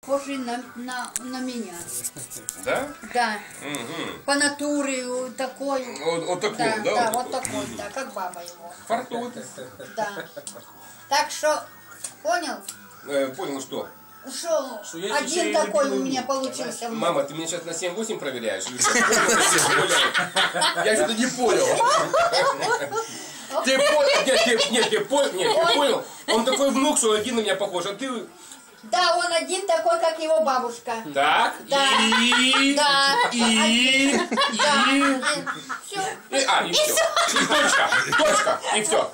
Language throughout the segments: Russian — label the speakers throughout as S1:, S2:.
S1: похожий на меня.
S2: Да?
S1: Да.
S2: Угу.
S1: По натуре такой.
S2: Вот такой,
S1: да?
S2: да?
S1: Да, вот такой, да, как баба его.
S2: Фартут.
S1: Да. Так что, понял?
S2: Понял, что?
S1: Что
S2: я
S1: один такой у меня получился.
S2: Мама, ты меня сейчас на 7-8 проверяешь? Или что? Я что-то не понял. Ты понял? Нет, ты понял? Он такой внук, что один на меня похож, а ты...
S1: Да, он один такой, как его бабушка.
S2: Так,
S1: да.
S2: и...
S1: Да.
S2: И...
S1: Все.
S2: И все. И точка, и все.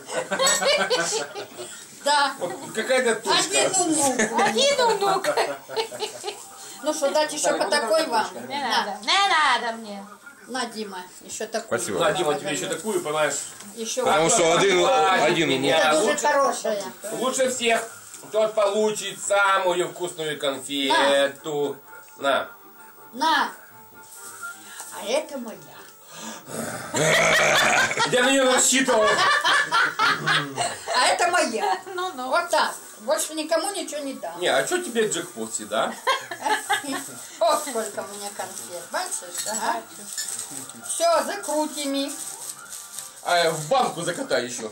S1: Да.
S2: Вот какая-то точка.
S1: Один внук. Ну что, дать еще по такой вам?
S3: Не надо мне.
S1: На, Дима, еще такую.
S4: Спасибо.
S2: На, Дима, тебе еще такую, понимаешь?
S1: Еще
S4: Потому что один у меня.
S1: это дуже хорошая.
S2: Лучше всех тот получит самую вкусную конфету. На.
S1: На. А это моя.
S2: Я на нее рассчитывал.
S1: А это моя.
S3: Ну.
S1: Вот так. Больше никому ничего не дам.
S2: Не, а что тебе джекпот, да?
S1: О, сколько у меня конфет. Бачишь, ага. Все, закрутим их.
S2: А в банку закатай еще.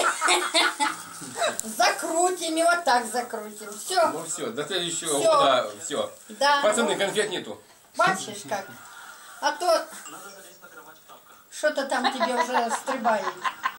S1: Закрутим и вот так закрутим. Все.
S2: Ну все, до следующего
S1: Всё.
S2: года все.
S1: Да.
S2: Пацаны, конфет нету.
S1: Бачишь как? А то что-то там тебе уже стрибает.